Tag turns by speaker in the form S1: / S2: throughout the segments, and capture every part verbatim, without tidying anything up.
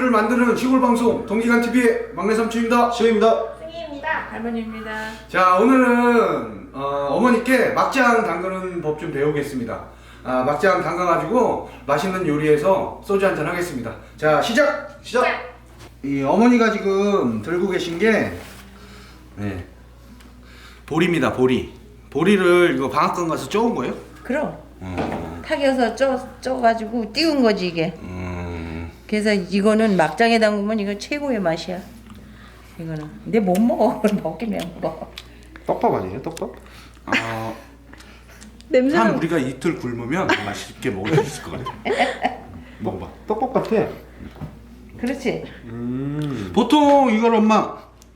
S1: 맛집을 만드는 시골 방송 동기간 티비의 막내 삼촌입니다.
S2: 시우입니다.
S3: 승희입니다.
S4: 할머니입니다.
S1: 자, 오늘은 어, 어머니께 막장 담그는 법 좀 배우겠습니다. 아, 막장 담가가지고 맛있는 요리에서 소주 한잔 하겠습니다. 자, 시작!
S2: 시작.
S1: 이 어머니가 지금 들고 계신 게 네, 보리입니다. 보리. 보리를 이거 방앗간 가서 쪄온 거예요?
S4: 그럼
S1: 음,
S4: 탁여서 쪄 쪄가지고 띄운 거지 이게.
S1: 음,
S4: 그래서 이거는 막장에 담그면 이거 최고의 맛이야. 이거는. 근데 못 먹어. 먹기면 먹어.
S2: 떡밥 아니에요? 떡밥?
S1: 어, 한
S3: 냄새는
S1: 우리가 이틀 굶으면 맛있게 먹을 수 있을 것 같아. 먹어봐.
S2: 떡밥 같아.
S4: 그렇지.
S2: 음.
S1: 보통 이걸 엄마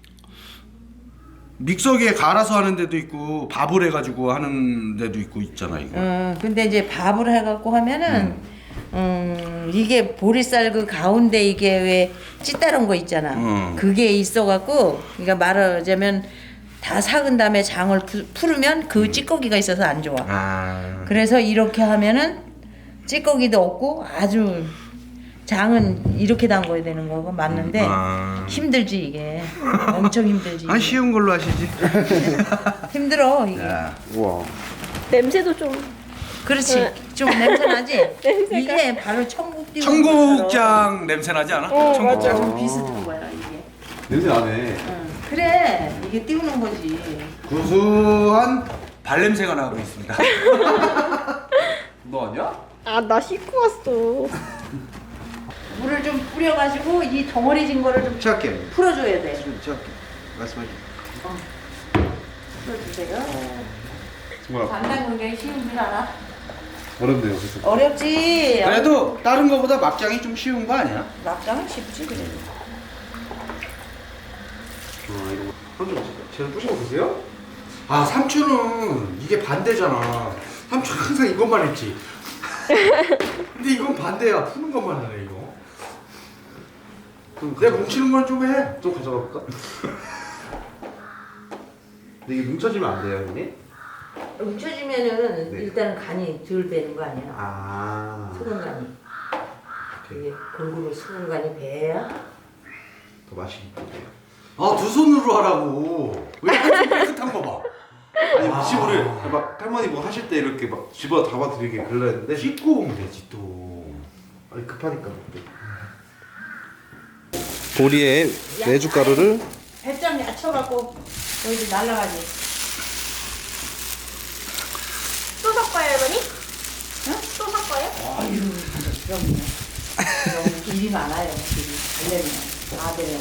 S1: 믹서기에 갈아서 하는 데도 있고 밥을 해가지고 하는 데도 있고 있잖아 이거.
S4: 어, 근데 이제 밥을 해갖고 하면은 음, 이게 보리쌀 그 가운데 이게 왜 찌따른 거 있잖아.
S1: 음.
S4: 그게 있어갖고 그러니까 말하자면 다 삭은 다음에 장을 푸, 풀으면 그 찌꺼기가 있어서 안 좋아.
S1: 아.
S4: 그래서 이렇게 하면은 찌꺼기도 없고 아주 장은 이렇게 담궈야 되는 거고 맞는데
S1: 아.
S4: 힘들지 이게. 엄청 힘들지.
S1: 아 쉬운 걸로 하시지.
S4: 힘들어 이게.
S1: 야.
S2: 우와.
S3: 냄새도 좀
S4: 그렇지.
S3: 네.
S4: 좀 냄새 나지?
S3: 냄새가.
S4: 이게 바로 천국 띄우는
S1: 청국장 냄새 나지 않아?
S3: 어,
S1: 청국장.
S4: 것처럼 비슷한 거야 이게.
S2: 냄새 나네.
S4: 응. 그래 이게 띄우는 거지.
S1: 구수한 발냄새가 나고 있습니다.
S2: 너 아니야?
S3: 아 나 씻고 왔어.
S4: 물을 좀 뿌려가지고 이 덩어리진 거를 좀
S1: 시작할게.
S4: 풀어줘야 돼.
S1: 시작할게. 말씀하시.
S4: 풀어주세요.
S2: 정말
S4: 간단 굉장히 쉬운 줄 알아?
S2: 어렵네요. 그래서.
S4: 어렵지.
S1: 그래도 다른 거보다 막장이 좀 쉬운 거 아니야?
S4: 막장은 쉽지 그래.
S2: 아 이런 거. 한점 제가 뿌시고 보세요?
S1: 아 삼촌은 이게 반대잖아. 삼촌 항상 이것만 했지. 근데 이건 반대야. 푸는 것만 하네 이거.
S2: 좀
S1: 내가 뭉치는 건 좀 해.
S2: 좀 가져가 볼까? 근데 이게 뭉쳐지면 안 돼요, 형님?
S4: 뭉쳐지면은
S2: 네.
S4: 일단은 간이 덜 배는 거 아니야?
S2: 아.
S4: 소금 간이. 이게 골고루 소금 간이 배야.
S2: 더 맛있겠네요.
S1: 아 두 손으로 하라고. 왜 한손 깨끗한 거 봐.
S2: 아니
S1: 아.
S2: 무시물을 막 할머니 뭐 하실 때 이렇게 막 집어 담아 드리게 그러려 했는데
S1: 씻고 오면 되지 또.
S2: 아니 급하니까. 보리에 메주가루를
S4: 배짱 얕혀갖고 여기 날라가지.
S3: 또 섞어요 할머니?
S4: 응?
S3: 또 섞어요?
S4: 아유, 그럼요. 너무 길이 많아요. 길이. 달려면 다 되면.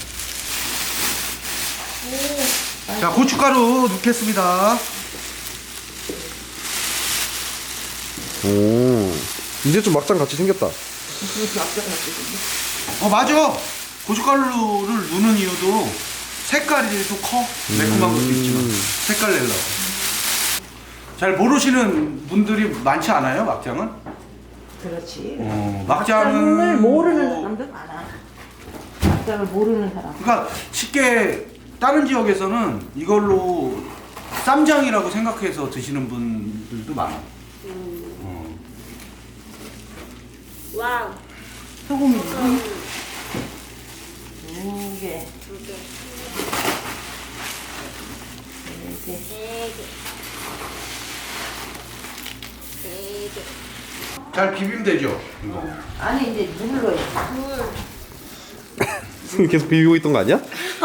S1: 자 고춧가루 넣겠습니다.
S2: 오 이제 좀 막장 같이 생겼다.
S1: 어 맞아. 고춧가루를 넣는 이유도 색깔이 또 커. 매콤한 것도 있지만 색깔 내려고. 잘 모르시는 분들이 많지 않아요 막장은?
S4: 그렇지.
S1: 어,
S4: 막장을
S1: 막장은
S4: 모르는
S1: 뭐-
S4: 사람들 많아. 막장을 모르는 사람.
S1: 그러니까 쉽게 다른 지역에서는 이걸로 쌈장이라고 생각해서 드시는 분들도 많아. 어.
S3: 와우.
S4: 소금이 두 개,
S3: 두 개,
S4: 네 개.
S3: 네 개, 네 개.
S1: 잘 비비면 되죠? 이거.
S4: 아니 이제 물을 넣어야
S3: 물.
S2: 계속 비비고 있던 거 아니야?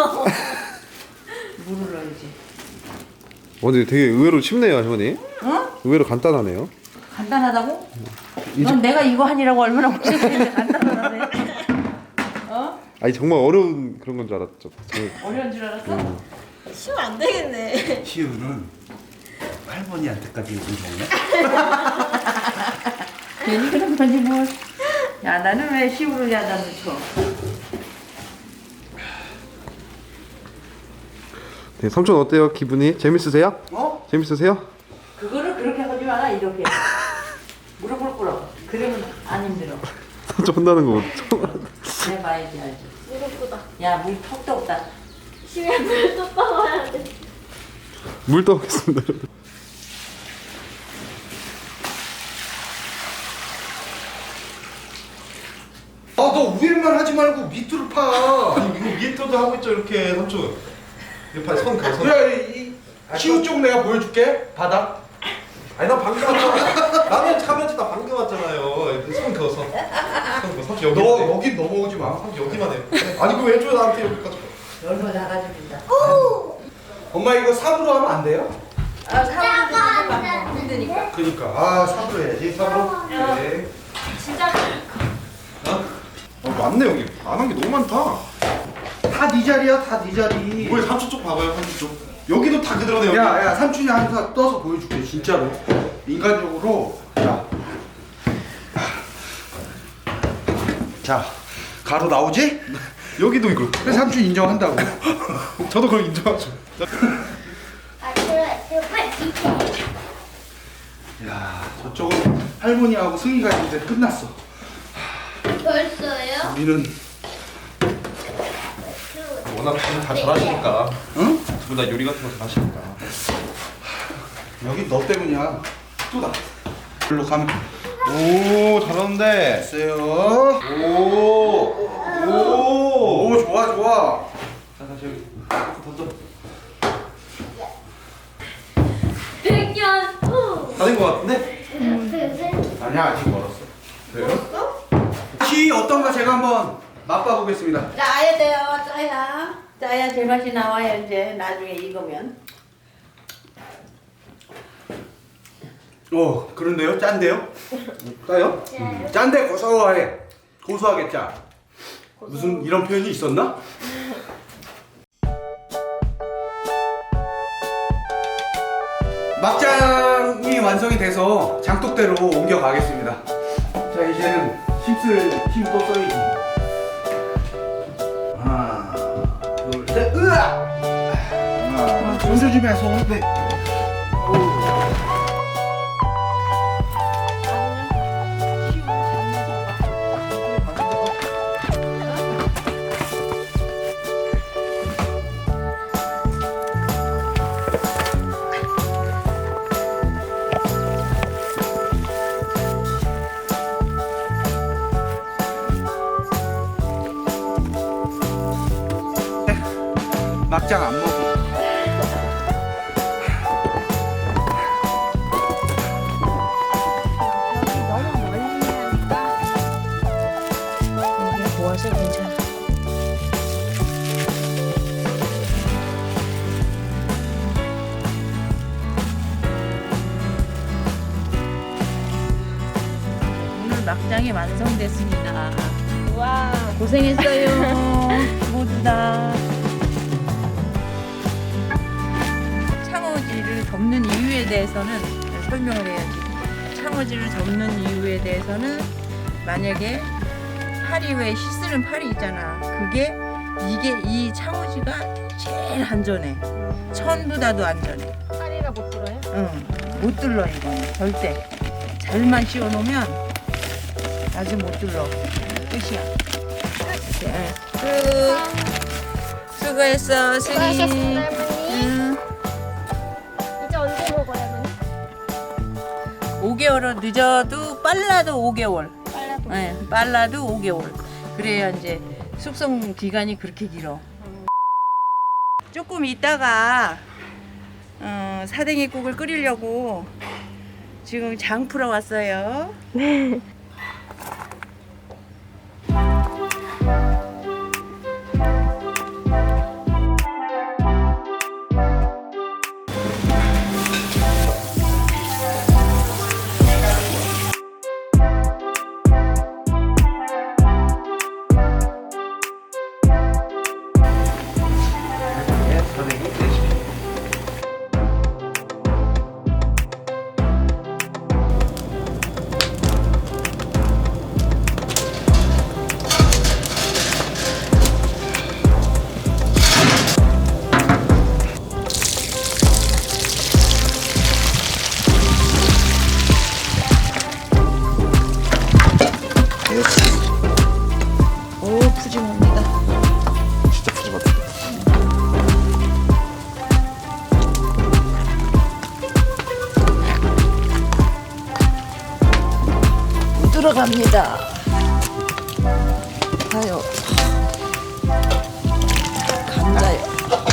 S4: 물을 넣어야지.
S2: 어, 근데 되게 의외로 쉽네요, 할머니.
S4: 어?
S2: 의외로 간단하네요.
S4: 간단하다고?
S2: 이제-
S4: 넌 내가 이거 하니라고 얼마나 고생했는데 간단하네. 어?
S2: 아니 정말 어려운 그런 건 줄 알았죠. 정말.
S4: 어려운 줄 알았어?
S3: 쉬면 안 되겠네.
S1: 시우는 할머니한테까지 요즘 먹네?
S4: 괜히 그런 거지 뭘. 야 나는 왜 시우를 야다 넣죠?
S2: 네, 삼촌 어때요? 기분이 재밌으세요?
S1: 어?
S2: 재밌으세요?
S4: 그거를 그렇게 하지 마라 이렇게. 무릎을 꿇어. 그러면 안 힘들어.
S2: 삼촌 혼나는 거 처음.
S4: 해봐야지 알지.
S3: 무겁다.
S4: 야물 턱도 없다.
S3: 쉬면 물또 떠와야 돼.
S2: 물 떠오겠습니다.
S1: 아 너 위에만 위에만 하지 말고 밑으로 파.
S2: 아니 이거 위에 떠도 하고 있죠 이렇게 삼촌. 이렇게 손 그어 손.
S1: 그래 이 시우 쪽 내가 보여줄게. 바닥.
S2: 아니 나 방금 왔잖아. 나는 카메라 나 방금 왔잖아요. 이렇게 손 그어 손. 손 그어 삼촌 여기.
S1: 너 여기 넘어오지 마.
S2: 삼촌 여기만 해. 아니 그 왜 줘 나한테 여기까지.
S4: 얼마 나가줍니다.
S1: 엄마 이거 삽으로 하면 안 돼요?
S4: 아, 사람도 막 힘드니까.
S1: 그니까 아 삽으로 해야지 삽으로. 네.
S3: 진짜
S2: 어 맞네 여기. 안 한 게 너무 많다.
S1: 다 네 자리야 다 네 자리.
S2: 왜 삼촌 쪽 봐봐요 삼촌 쪽. 여기도 다 그대로네 여기.
S1: 야야 삼촌이 항상 떠서 보여줄게 진짜로. 인간적으로. 자. 자 가로 나오지?
S2: 여기도 이거.
S1: 그래서 삼촌 인정한다고.
S2: 저도 그걸 인정하죠.
S1: 야 저쪽은 할머니하고 승희가 있는데 끝났어.
S3: 벌써요?
S1: 우리는
S2: 워낙 두분 다 잘하시니까.
S1: 응?
S2: 두 분 다 요리 같은 거 잘하시니까.
S1: 여기 너 때문이야. 또다. 일로 가면
S2: 오 잘하는데.
S1: 됐어요.
S2: 오. 오.
S1: 오 좋아 좋아.
S2: 자 다시 여기 던져.
S3: 백년 후.
S2: 다 된 거 같은데?
S1: 아니야 아직 멀었어.
S2: 그래요?
S1: 키 어떤가 제가 한번 맛봐보겠습니다.
S4: 짜야 돼요, 짜야. 짜야 제맛이 나와요, 이제. 나중에 익으면.
S1: 어 그런데요? 짠데요?
S2: 따요?
S1: 음, 짠데 고소해. 고소하게 짜. 무슨 이런 표현이 있었나? 막장이 완성이 돼서 장독대로 옮겨 가겠습니다. 자 이제는 힘쓸 힘 또 써야지. 하나, 둘, 셋, 으아! 하나, 손 조심해서. 네. 막장 안 먹어.
S3: 너무 멀리 하니까
S4: 이게 모아서 괜찮아. 오늘 막장이 완성됐습니다.
S3: 와.
S4: 고생했어요. 모두 다. 창호지를 접는 이유에 대해서는 설명을 해야지. 창호지를 접는 이유에 대해서는 만약에 팔이 왜 씻는 팔이 있잖아. 그게 이게 이 창호지가 제일 안전해. 천보다도 안전해.
S3: 파리가 못 들어요?
S4: 응, 못 들러 이거는 절대. 잘만 씌워놓으면 아주 못 들러. 끝이야. 네, 끝. 수고했어, 승희.
S3: 수고하셨습니다, 할머니.
S4: 응.
S3: 이제 언제 먹어요, 할머니?
S4: 오 개월은 늦어도 빨라도 오 개월.
S3: 빨라도.
S4: 네, 빨라도 오 개월. 그래야 이제 숙성 기간이 그렇게 길어. 조금 있다가 어, 사댕이국을 끓이려고 지금 장 풀어 왔어요. 오, 푸짐합니다.
S2: 진짜 푸짐하다.
S4: 들어갑니다. 양파요. 감자요.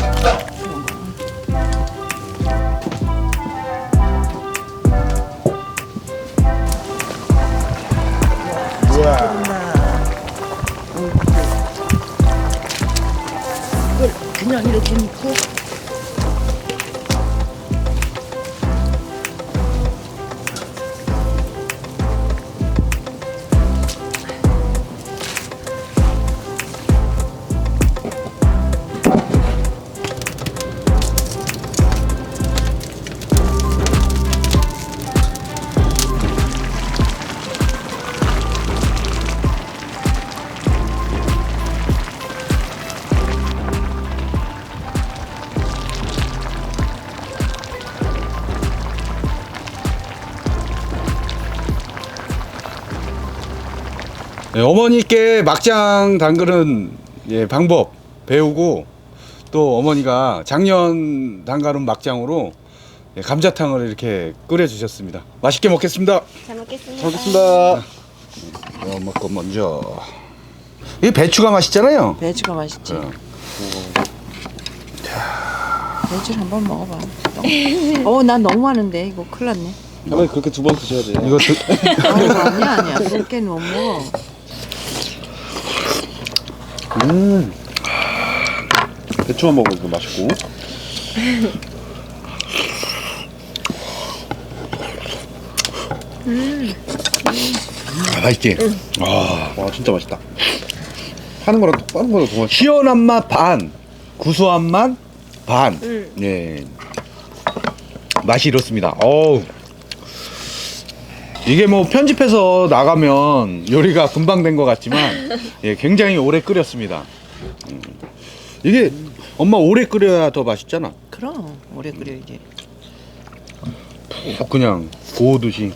S4: 이걸 그냥 이렇게 넣고
S1: 네, 어머니께 막장 담그는 예, 방법 배우고 또 어머니가 작년 담가놓은 막장으로 예, 감자탕을 이렇게 끓여 주셨습니다. 맛있게 먹겠습니다.
S3: 잘 먹겠습니다.
S1: 잘 먹겠습니다. 어, 먹고 먼저 이 배추가 맛있잖아요.
S4: 배추가 맛있지.
S1: 어.
S4: 배추를 한번 먹어봐. 어, 난 너무 많은데 이거 큰일 났네.
S2: 할머니 그렇게 두 번 드셔야 돼요.
S1: 이거 드,
S4: 아이고, 아니야 아니야. 그렇게는 못 먹어.
S2: 음. 배추만 먹어도 맛있고.
S1: 아, 맛있지. 아,
S2: 와 진짜 맛있다. 파는 거랑 또 빠는 거랑 더 맛있어.
S1: 시원한 맛 반, 구수한 맛 반.
S3: 음.
S1: 예. 맛이 이렇습니다. 어우. 이게 뭐 편집해서 나가면 요리가 금방 된 것 같지만 예, 굉장히 오래 끓였습니다. 음. 이게 엄마 오래 끓여야 더 맛있잖아.
S4: 그럼 오래 끓여야지.
S1: 푹 그냥 구우듯이.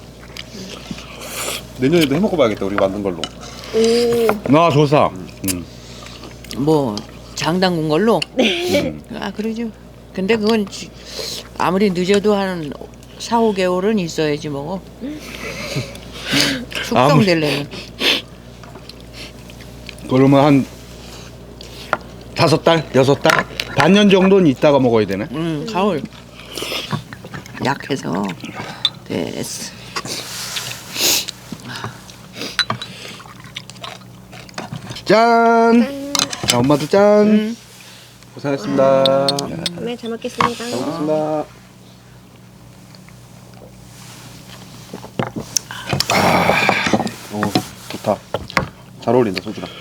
S2: 내년에도 해 먹어봐야겠다 우리 만든 걸로.
S1: 나 좋사. 음.
S4: 뭐 장담군 걸로.
S1: 음.
S4: 아 그러죠. 근데 그건 지- 아무리 늦어도 한 사, 오 개월은 있어야지 먹어. 숙성되려면.
S1: 그러면 한 다섯 달, 여섯 달, 반년 정도는 있다가 먹어야 되네.
S4: 음, 가을. 약해서 됐어.
S1: 짠. 자, 엄마도 짠.
S4: 음.
S2: 고생하셨습니다.
S3: 네, 잘 먹겠습니다.
S2: 잘 먹겠습니다. 오 좋다. 잘 어울린다 소주랑.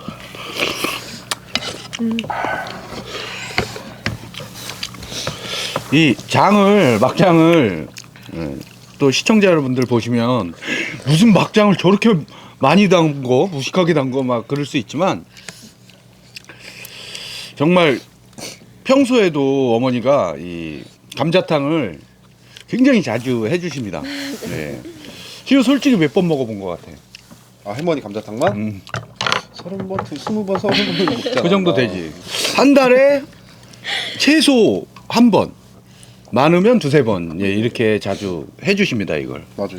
S1: 이 장을 막장을 예, 또 시청자 여러분들 보시면 무슨 막장을 저렇게 많이 담고 무식하게 담고 막 그럴 수 있지만 정말 평소에도 어머니가 이 감자탕을 굉장히 자주 해주십니다. 네. 지금 솔직히 몇 번 먹어본 것 같아.
S2: 아 할머니 감자탕만?
S1: 음,
S2: 서른 번, 스무 번, 서른 번 먹잖아.
S1: 그 정도 되지. 한 달에 최소 한 번, 많으면 두세 번 예, 이렇게 자주 해주십니다 이걸.
S2: 맞아요.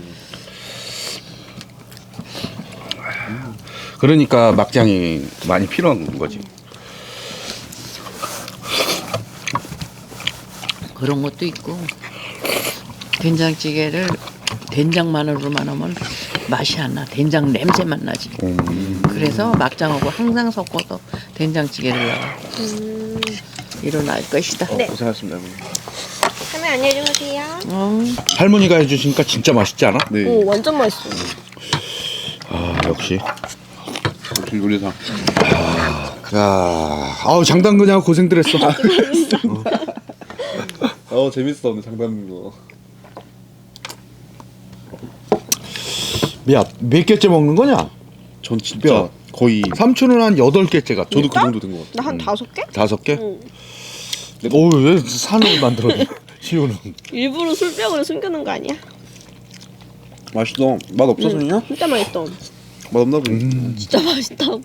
S1: 그러니까 막장이 많이 필요한 거지.
S4: 그런 것도 있고 된장찌개를 된장 마늘로만 하면 맛이 안 나. 된장 냄새만 나지. 그래서 막장하고 항상 섞어서 된장찌개를 넣어.
S3: 음,
S4: 일어날 것이다.
S2: 어,
S3: 네.
S2: 고생하셨습니다 할머니.
S3: 할머니 안녕히 주무세요.
S4: 어,
S1: 할머니가 해주시니까 진짜 맛있지 않아?
S2: 네.
S3: 오, 완전 맛있어.
S1: 아 역시.
S2: 역시 요리사.
S1: 자, 아우 장담그냐고 고생들 했어.
S2: 어 재밌어 오늘 장담인 거.
S1: 야, 몇 개째 먹는 거냐?
S2: 전 진짜
S1: 야.
S2: 거의
S1: 삼촌은 한 여덟 개째 같아.
S2: 저도 그 정도 된 것 같아요.
S3: 나 한 다섯 개?
S1: 다섯 개?
S3: 응.
S1: 오, 왜 산을 만들었냐? 시우는.
S3: 일부러 술병으로 숨겨놓은 거 아니야?
S2: 맛있어. 맛 없어서 그냥?
S3: 진짜 맛있어.
S2: 맛 없나 보네.
S1: 음,
S3: 진짜 맛있다고.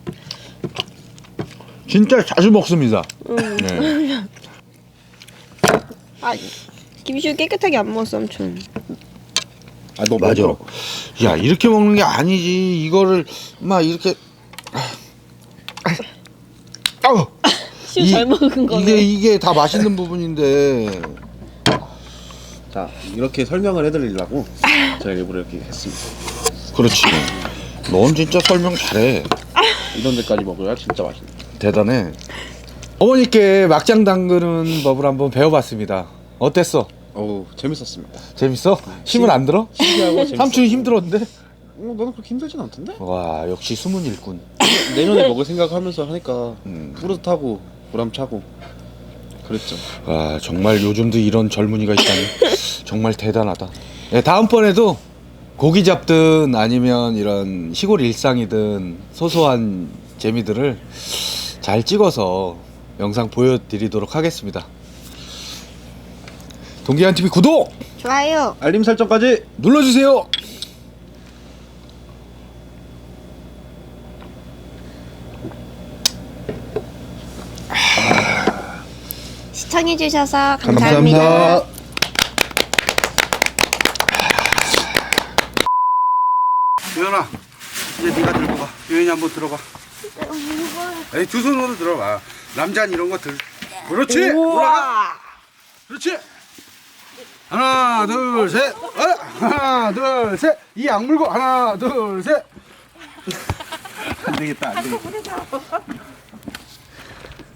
S1: 진짜 자주 먹습니다.
S3: 응.
S1: 네.
S3: 아, 김시우 깨끗하게 안 먹었어, 삼촌.
S2: 아 너무
S1: 맞아.
S2: 맛있어.
S1: 야, 이렇게 먹는 게 아니지. 이거를 막 이렇게
S5: 아우.
S3: 시우 잘 먹은 거네.
S5: 이게 이게 다 맛있는 부분인데.
S2: 자 이렇게 설명을 해드리려고 제가 일부러 이렇게 했습니다.
S5: 그렇지. 넌 진짜 설명 잘해.
S2: 이런 데까지 먹어야 진짜 맛있네.
S5: 대단해. 어머니께 막장 담그는 법을 한번 배워봤습니다. 어땠어?
S2: 어우 재밌었습니다.
S5: 재밌어? 힘은 안 들어?
S2: 신기하고 재밌었어요.
S5: 삼촌이 힘들었는데?
S2: 어, 나는 그렇게 힘들진 않던데?
S5: 와 역시 숨은 일꾼.
S2: 내년에 먹을 생각하면서 하니까
S5: 음.
S2: 뿌듯하고 보람차고 그랬죠.
S5: 와 정말 요즘도 이런 젊은이가 있다니 정말 대단하다. 네, 다음번에도 고기 잡든 아니면 이런 시골 일상이든 소소한 재미들을 잘 찍어서 영상 보여드리도록 하겠습니다. 동기한티비 구독
S3: 좋아요.
S2: 알림 설정까지.
S5: 눌러주세요.
S3: 시청해주셔서 감사합니다.
S5: 감사합니다.
S1: 유연아 이제 네가 들고 가. 유연이 한번 들어봐. 에이 두 손으로 들어봐. 남자는 이런 거 들. 그렇지. 올라가. 그렇지. 하나 둘 셋. 어? 하나 둘 셋. 이 악물고 하나 둘 셋. 안 되겠다 안 되겠다.